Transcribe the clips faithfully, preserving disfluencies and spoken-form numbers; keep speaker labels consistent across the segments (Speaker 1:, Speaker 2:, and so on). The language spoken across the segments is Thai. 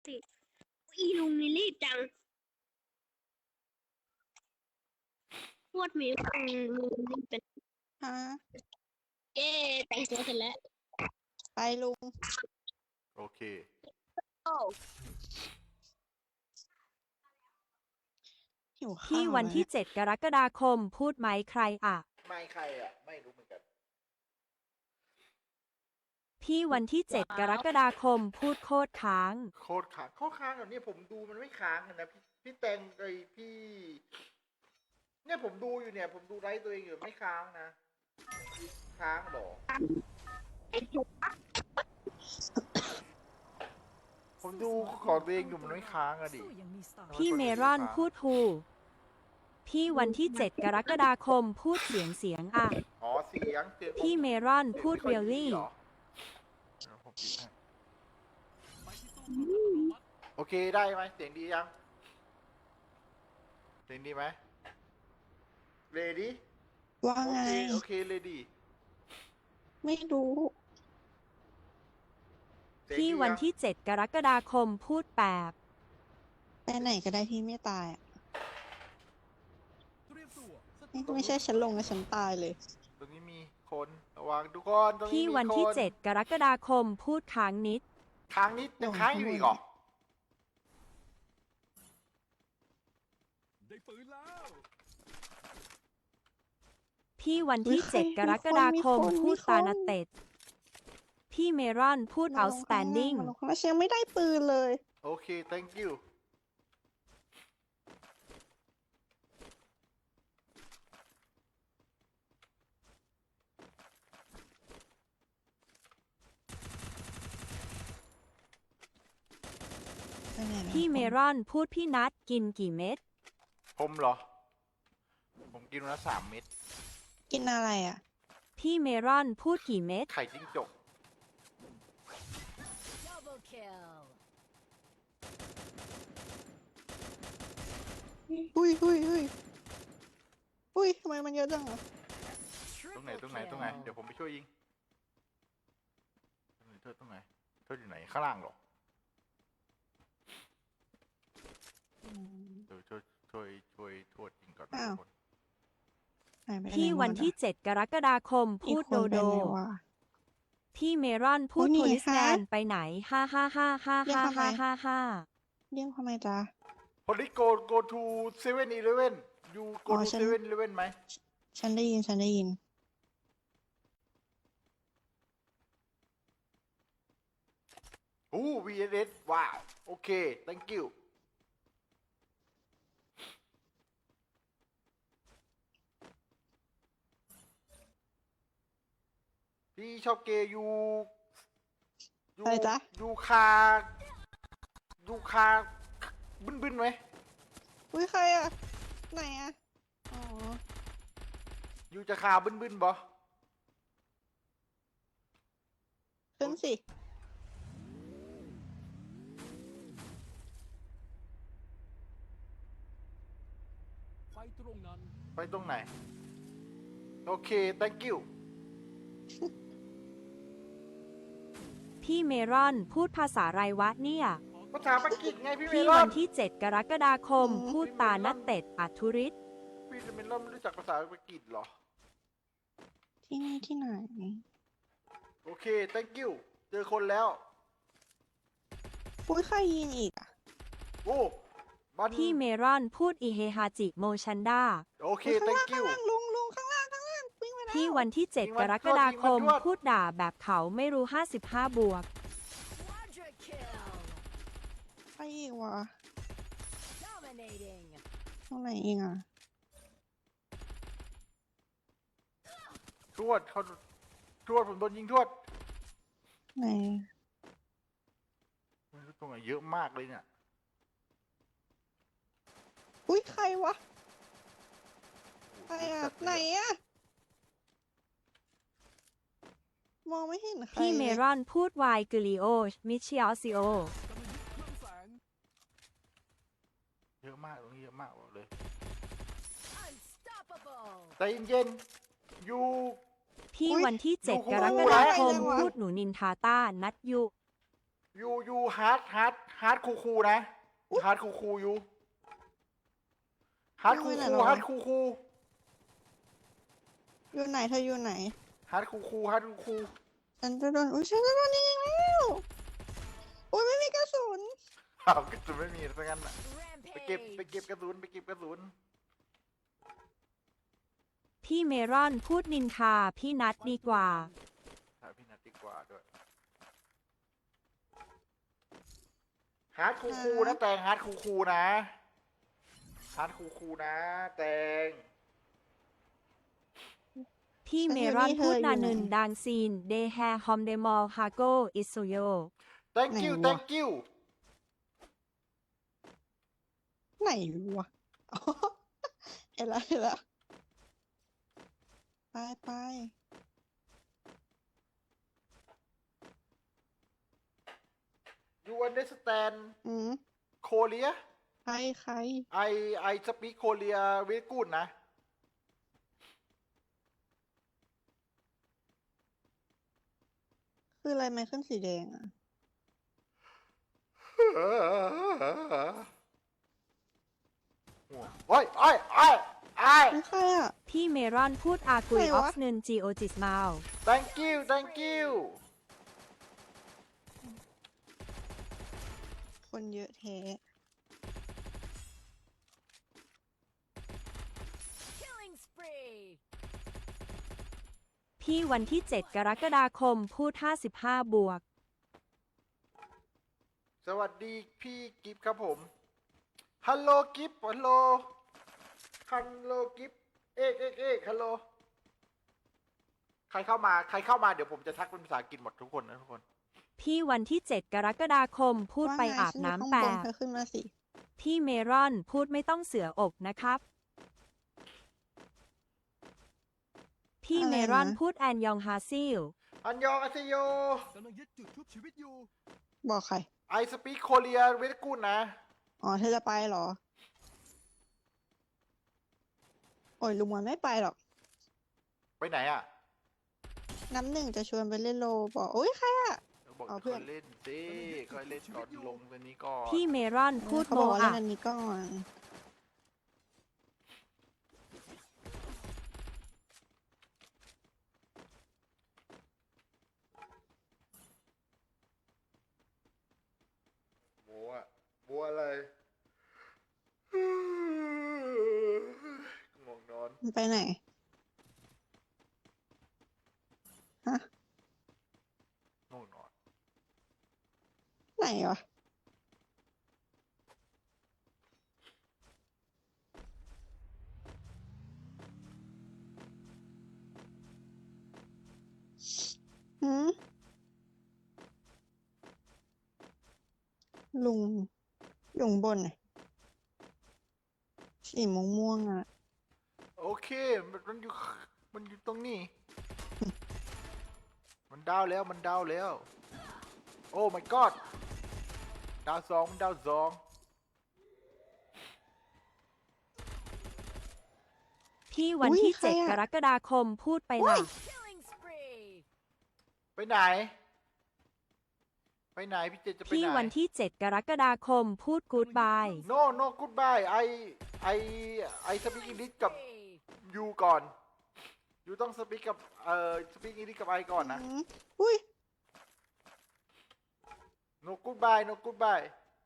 Speaker 1: สิอีลุงนี่รีบจังพวดมีอืมลุงนี่เป็น
Speaker 2: ฮะ
Speaker 1: เย้แต่งตัวเสร็จแล้ว
Speaker 2: ไปลุง
Speaker 3: โอเค
Speaker 1: โอ้
Speaker 2: หิวข้าว
Speaker 4: ที่วันที่
Speaker 2: แล้ว
Speaker 4: เจ็ด กรกฎาคมพูดไหมใครอ่ะ
Speaker 3: ไม่ใครอ่ะ ไม่รู้เหมือนกัน
Speaker 4: พี่วันที่ เจ็ด กรกฎาคมพูดโคตรค้าง
Speaker 3: โคตรค้างโคตรค้างเหรอเนี่ยผมดูมันไม่ค้างเลยนะพี่พี่แตงไอพี่ เนี่ยผมดูอยู่เนี่ย ผมดูไลฟ์ตัวเองอยู่ไม่ค้างนะ ค้างเหรอ
Speaker 1: ไอ้จุก
Speaker 3: ผมดูของตัวเองอยู่มันไม่ค้างอะดิ
Speaker 4: พี่เมรอนพูดฮูพี่วันที่ เจ็ด กรกฎาคมพูดเสียงเสียงอ่ะ
Speaker 3: อ๋อเสียงเสียง
Speaker 4: พี่เมรอนพูดเรียลลี่
Speaker 3: เดี๋ยวผมปิดให้โอเคได้ไหมเสียงดียัง เสียงดีไหมเรดี้
Speaker 2: ว่า
Speaker 3: โอ
Speaker 2: ไง
Speaker 3: เคโอเคเรดี้
Speaker 2: ไม่รู้
Speaker 4: พี่วันที่ เจ็ด กรกฎาคมพูดแปบ
Speaker 2: ไปไหนก็ได้ที่ไม่ตายอ่ะไม่ไม่ใช่ฉันลงแล้วฉันตายเลย
Speaker 3: ตรงนี้มีคนระวังทุกคนตรงนี้
Speaker 4: พี่
Speaker 3: มี
Speaker 4: วันที่
Speaker 3: คน
Speaker 4: เจ็ด กรกฎาคมพูดค้างนิด
Speaker 3: ค้างนิดยังค้างอยู่อีกเหรอ
Speaker 5: ได้ปืนแล้ว
Speaker 4: พี่วันที่ เจ็ด กรกฎาคมพูดตานาเต็ด พี่เมรอนพูด outstanding
Speaker 2: มาลงข้างล่างฉันยังไม่ได้ปืนเลย
Speaker 3: โอเค thank you
Speaker 2: ไปไหนแล้ว
Speaker 4: พี่เมรอนพูดพี่นัดกินกี่เม็ด
Speaker 3: ผมเหรอ ผมกินวันละสามเม็ด
Speaker 2: กินอะไรอ่ะ
Speaker 4: พี่เมรอนพูดกี่เม็ด
Speaker 3: ไข่จิ้งจก
Speaker 6: Double kill.
Speaker 2: อุ้ยอุ้ยอุ้ยอุ้ยทำไมมันเยอะจังอ่ะ
Speaker 3: ตรงไหน ตรงไหน ตรงไหน เดี๋ยวผมไปช่วยยิงตรงไหนเธอตรงไหนเธออยู่ไหน ข้างล่างเหรอ เดี๋ยวช่วยช่วยช่วยทวดยิงก่อนนะ
Speaker 2: อ้าว
Speaker 3: ทุกคน
Speaker 2: หายไปไหน
Speaker 4: พี่วันที่
Speaker 2: หมดอะ
Speaker 4: เจ็ด กรกฎาคมพูด
Speaker 2: อีกคน
Speaker 4: โดโด
Speaker 2: ไปไหนวะ
Speaker 4: พี่เมรอนพูด
Speaker 2: โอ้นี่
Speaker 4: โพลิสแมน
Speaker 2: ฮะ
Speaker 4: ไปไหนฮ่าฮ่าฮ่าฮ่า
Speaker 2: เรียก
Speaker 4: ฮ่า
Speaker 2: ทำไม
Speaker 4: ฮ่าฮ่าฮ่า
Speaker 2: เรียกทำไมจ๊ะ
Speaker 3: พอดี go go to เซเว่น eleven you go
Speaker 2: อ๋อ
Speaker 3: to
Speaker 2: ฉัน
Speaker 3: เซเว่น eleven ไหม
Speaker 2: ฉันได้ยินฉันได้ยิน
Speaker 3: โอ้ วี เอส เอส ว้าว โอเค thank you พี่ชอบเกย์ยูยู
Speaker 2: อะไรจ๊ะ
Speaker 3: ยูคายูคาบึ้นบึ้นไหม
Speaker 2: อุ้ยใครอ่ะ ไหนอ่ะ อ๋อ
Speaker 3: ยูจะคาบึ้นบึ้นบ่
Speaker 2: ขึ้นสิ
Speaker 5: ไฟตรงนั้น
Speaker 3: ไปตรงไหน โอเค thank you
Speaker 4: พี่เมรอนพูดภาษาไรวะเนี่ย
Speaker 3: ภาษาปากีสไงพี่เม
Speaker 4: พี่
Speaker 3: ลอ
Speaker 4: วัน นที่ เจ็ด กรกฎาคม
Speaker 2: อืม
Speaker 4: พูดตานัดเต็ดอัทุริศ
Speaker 3: พี่เมลอนไม่รู้จักภาษาปากีสเหรอ
Speaker 2: ที่นี่ที่ไหน
Speaker 3: โอเค thank you เจอคนแล้ว
Speaker 2: อุ้ยใครยิงอีกอ่ะ
Speaker 3: โอ้บัน
Speaker 4: พี่เมรอนพูดอิเฮฮาจิโมชันดา
Speaker 3: โอเค
Speaker 2: ข้างล่าง
Speaker 3: thank
Speaker 2: ข้าง
Speaker 3: you
Speaker 2: ล่างลุงลุงข้างล่างข้างล่างวิ่งไปแล้ว
Speaker 4: พี่วันที่ เจ็ด
Speaker 3: ยิง
Speaker 4: ก
Speaker 3: มัน
Speaker 4: รกฎาคม
Speaker 3: ยิงมันด้วย
Speaker 4: พูดด่าแบบเขาไม่รู้ ห้าสิบห้า บวก
Speaker 6: Quadra kill.
Speaker 2: ใครอีกวะ
Speaker 6: Dominating.
Speaker 2: ตรงไหนอีกอ่ะ
Speaker 3: ทวดเขาทวดผมโดนยิงทวด
Speaker 2: ไหน
Speaker 3: ไม่รู้ตรงไหนเยอะมากเลยเนี่ย
Speaker 2: อุ้ยใครวะ ใครอ่ะ ไหนอ่ะ มองไม่เห็นใคร
Speaker 4: พี่เม
Speaker 2: เลย
Speaker 4: รอนพูดวายกลิโอมิชิออซิโอ
Speaker 5: กำลังยึดเครื่องแสง
Speaker 3: เยอะมากตรงนี้เยอะมากบอกเลย
Speaker 6: Unstoppable.
Speaker 3: ใจเย็นๆอยู่
Speaker 4: พี่วันที่ เจ็ด
Speaker 3: อยู่
Speaker 4: ก
Speaker 3: คู่
Speaker 4: รกฎาคม
Speaker 2: อะไรวะ
Speaker 4: พูดหนูนินทาต้านัดยุ
Speaker 3: ยูยูฮาร์ดฮาร์ดฮาร์ดคูคูนะฮาร์ดคูคูยูฮาร์ดคูคูฮาร์ดคูคู
Speaker 2: อยู่ไหนเธออยู่ไหน
Speaker 3: ฮาร์ดคูคูฮาร์ดคูคู
Speaker 2: ฉันจะโดนอุ้ยฉันจะโดนยิงแล้วอุ้ยไม่มีกระสุน
Speaker 3: อ้าวกระสุนไม่มีซะงั้นน่ะไปเก็บ
Speaker 6: Rampage.
Speaker 3: ไปเก็บกระสุนไปเก็บกระสุน
Speaker 4: พี่เมรอนพูดนินทาพี่นัดดีกว่า
Speaker 3: หาพี่นัทดีกว่าด้วยฮาร์ดคูคูนะแตงฮาร์ดคูคูนะฮาร์ดคูคูนะแตง
Speaker 4: พี่เมรอนพูดนานึนดังซีนเดแฮฮอมเดมอลฮาโกอิสุโย
Speaker 3: thank you thank you
Speaker 2: ไหนวะอ๋อเห็นแล้วเห็นแล้วไปไป
Speaker 3: you understand
Speaker 2: อืม
Speaker 3: Korea
Speaker 2: ใครใคร
Speaker 3: I I speak Korea very good นะ
Speaker 2: คืออะไรไม่ขึ้นสีแดงอ่ะ
Speaker 3: โอ้ยโอ้ยโอ้ยโอ้ย
Speaker 2: ไม่ใครอ่ะ
Speaker 4: พี่เมรอนพูดอากุย
Speaker 2: ไหน
Speaker 4: อ
Speaker 2: วะ
Speaker 4: อฟนึนจีโอจิสมาล
Speaker 3: thank you thank you
Speaker 2: คนเยอะแท้
Speaker 6: Killing spree.
Speaker 4: พี่วันที่ เจ็ด กรกฎาคมพูด ห้าสิบห้า บวก
Speaker 3: สวัสดีพี่กิฟครับผม ฮัลโหลกิฟฮัลโหล ฮัลโหลกิฟเอกเอกเอกฮัลโหล ใครเข้ามา ใครเข้ามาเดี๋ยวผมจะทักเป็นภาษาอังกฤษหมดทุกคนนะทุกคน
Speaker 4: พี่วันที่ เจ็ด กรกฎาคมพูดไป
Speaker 2: ว่ไง
Speaker 4: อาบ
Speaker 2: ฉัยู่
Speaker 4: น้ำ
Speaker 2: ข้าง
Speaker 4: แป
Speaker 2: บ
Speaker 4: ด
Speaker 2: เธอขึ้นมาสิ
Speaker 4: พี่เมรอนพูดไม่ต้องเสืออกนะครับ พี่เมรอนพูดแอนยองฮาซิล
Speaker 3: อันยองอาเซโย
Speaker 5: กำลังยึดจุดชุบชีวิตอยู่
Speaker 2: บอกใคร
Speaker 3: ไอสปีกโคเรียเวทกูดนะ
Speaker 2: อ๋อเธอจะไปเหรอ โอ้ยลุงมันไม่ไปหรอก
Speaker 3: ไปไหนอ่ะ
Speaker 2: น้ำหนึ่งจะชวนไปเล่นโลบอกโอ้ยใครอ่ะ
Speaker 3: บอก
Speaker 2: เอาเพื่
Speaker 3: ค่
Speaker 2: อ
Speaker 3: อน ยเล่นสิค่อยเล่นก่อนลงตัวนี้ก่อน
Speaker 4: พี่เมรอนพูด
Speaker 2: เขา
Speaker 4: โม
Speaker 2: บอกว่าเล่
Speaker 4: อะ
Speaker 2: นอันนี้ก่อน
Speaker 3: บัวบัวอะไรง่วงนอน
Speaker 2: มันไปไหน ฮะ
Speaker 3: ง่วงนอน
Speaker 2: ไหนวะ หืม ลุงอยู่ข้างบนน่ะสีม่วงม่วงๆอ่ะ
Speaker 3: โอเค มันมันอยู่ มันอยู่ตรงนี้ มันดาวแล้ว มันดาวแล้ว โอ้ my god ดาวสองมันดาวสอง
Speaker 4: พี่วัน
Speaker 2: อุ๊ย
Speaker 4: ที่
Speaker 2: ใคร
Speaker 4: เจ็ด
Speaker 2: อะ
Speaker 4: กรกฎาคมพูดไปล่ะ
Speaker 6: Killing spree.
Speaker 3: ไปไหน ไปไหน พี่เจจะไป
Speaker 4: พี่
Speaker 3: ไหน
Speaker 4: วันที่ เจ็ด กรกฎาคมพูดกูดบาย
Speaker 3: no no goodbye ไอไอไอสปีกอังกฤษกับ
Speaker 6: Spree.
Speaker 3: ยูก่อนยูต้องสปีกกับ เอ่อ สปีกอังกฤษกับไอก่อนนะ
Speaker 2: อืมอุ้ย
Speaker 3: no goodbye no goodbye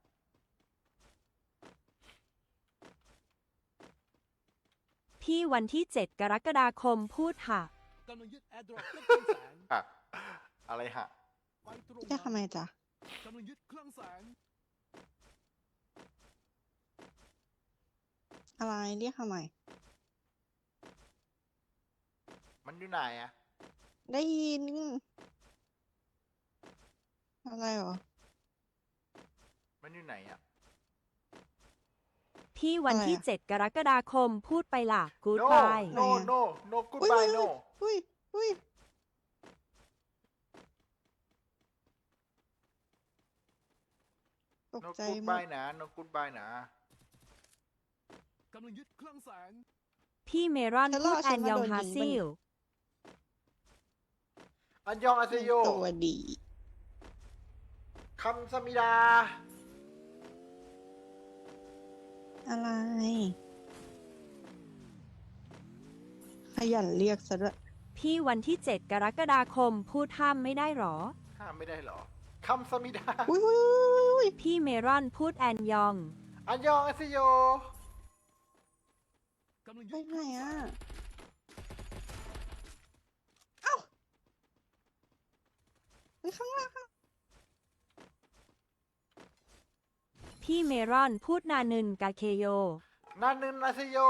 Speaker 4: พี่วันที่ เจ็ด กรกฎาคมพูดค่ะ
Speaker 5: กำลังยึดแอร์ดรอปเครื่องแสง
Speaker 3: อะอะไรฮะ
Speaker 5: ไปตรง
Speaker 2: เรียกทำไม
Speaker 5: นั้น
Speaker 2: จ๊ะ
Speaker 5: กำลังยึดเครื่องแสง
Speaker 2: อะไรเรียกทำไม
Speaker 3: มันอยู่ไหนอะ
Speaker 2: ได้ยิน อะไรเหรอ
Speaker 3: มันอยู่ไหนอะ
Speaker 4: พี่วันที่
Speaker 2: อะไรอะ
Speaker 4: เจ็ด กรกฎาคมพูดไปล่ะกูด
Speaker 3: no
Speaker 4: บาย
Speaker 3: no no no goodbye no
Speaker 2: อุ้ยอุ้ยตก
Speaker 3: no
Speaker 2: ใจหมด
Speaker 3: goodbye นะ no goodbye นะ
Speaker 5: กำลังยึดเครื่องแสง
Speaker 4: พี่เมรอน
Speaker 2: ฉันร
Speaker 4: พู
Speaker 2: อ
Speaker 4: ด
Speaker 2: ฉั
Speaker 4: แอน น
Speaker 2: มาย
Speaker 4: อง
Speaker 2: โดน
Speaker 4: ฮา
Speaker 2: ยิง
Speaker 4: ซิ
Speaker 2: ปะ
Speaker 4: ล
Speaker 3: อันยองอาเซโย
Speaker 2: ตัวดี
Speaker 3: คำสมิดา
Speaker 2: อะไร ขยันเรียกซะด้วย
Speaker 4: พี่วันที่เจ็ดกรกฎาคมพูดห้ามไม่ได้หรอ
Speaker 3: ห้ามไม่ได้เหรอ คำสมิดา
Speaker 2: อุ้ยอุ้ยอุ้ยอุ้ย
Speaker 4: พี่เมรอนพูดแอนยอง
Speaker 3: อันยองอาซิโย
Speaker 5: กำลัง
Speaker 2: ไป
Speaker 5: ยึด
Speaker 2: ไหนอ่ะ เอ้าไปข้างล่าง
Speaker 4: พี่เมรอนพูดนานึนกาเคโย
Speaker 3: นานึนอาซิโย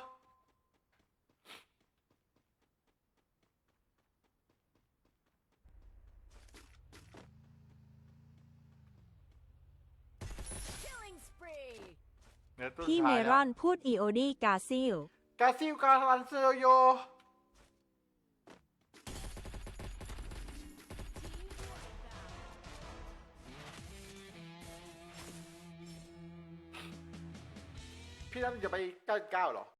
Speaker 6: Killing spree.
Speaker 3: เนี่ยตัวสุด
Speaker 4: พี่เม
Speaker 3: ท้าย
Speaker 4: ร
Speaker 3: แล้ว
Speaker 4: อนพูดอีโอดีกาซิล
Speaker 3: กาซิลกาลันเซโย พี่นั่นจะไปเก้าเก้าเหรอ